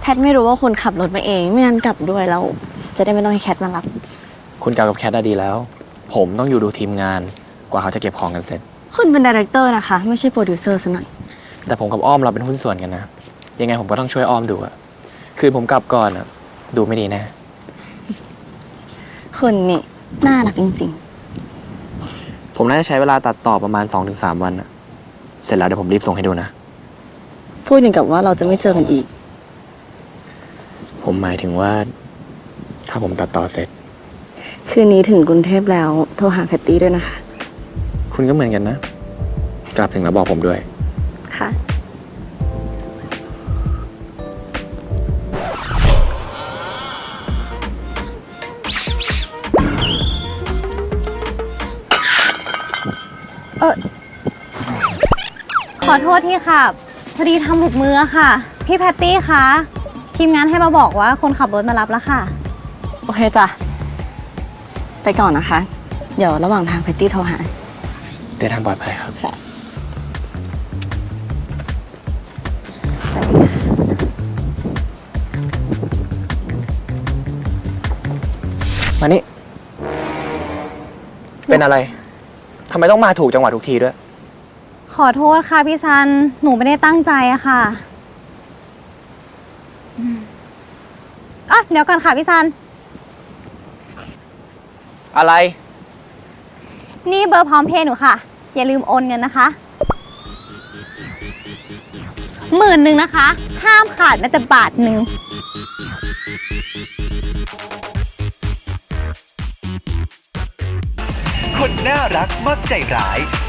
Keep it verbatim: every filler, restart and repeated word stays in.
ทไม่รู้ว่าคุณขับรถมาเองไม่งั้นกลับด้วยแล้วจะได้ไม่ต้องให้แคทมารับคุณกลับกับแคทได้ดีแล้ว ผมต้องอยู่ดูทีมงานกว่าเขาจะเก็บของกันเสร็จคุณเป็นดีเรคเตอร์นะคะไม่ใช่โปรดิวเซอร์ซะหน่อยแต่ผมกับอ้อมเราเป็นหุ้นส่วนกันนะยังไงผมก็ต้องช่วยอ้อมดูอะคือผมกลับก่อนอะดูไม่ดีแน่คุณนี่น่ารักจริงๆผมน่าจะใช้เวลาตัดต่อประมาณ สองถึงสาม วันอะเสร็จแล้วเดี๋ยวผมรีบส่งให้ดูนะพูดอย่างกับว่าเราจะไม่เจอกันอีกผมหมายถึงว่าถ้าผมตัดต่อเสร็จคืนนี้ถึงกรุงเทพแล้วโทรหาแพตตี้ด้วยนะคะคุณก็เหมือนกันนะกลับถึงแล้วบอกผมด้วยค่ะเออขอโทษที่ค่ะพอดีทำหลุดมือค่ะพี่แพตตี้คะทีมงานให้มาบอกว่าคนขับรถมารับแล้วค่ะโอเคจ้ะไปก่อนนะคะเดี๋ยวระหว่างทางแพตตี้โทรหาเดินทางปลอดภัยครับมานี่เป็นอะไรทำไมต้องมาถูกจังหวะทุกทีด้วยขอโทษค่ะพี่ซันหนูไม่ได้ตั้งใจอะค่ะอ่ะเดี๋ยวก่อนค่ะพี่ซันอะไรนี่เบอร์พร้อมเพย์หนูค่ะอย่าลืมโอนเงินนะคะหมื่นหนึ่งนะคะห้ามขาดแม้แต่บาทหนึ่งคนน่ารักมักใจร้าย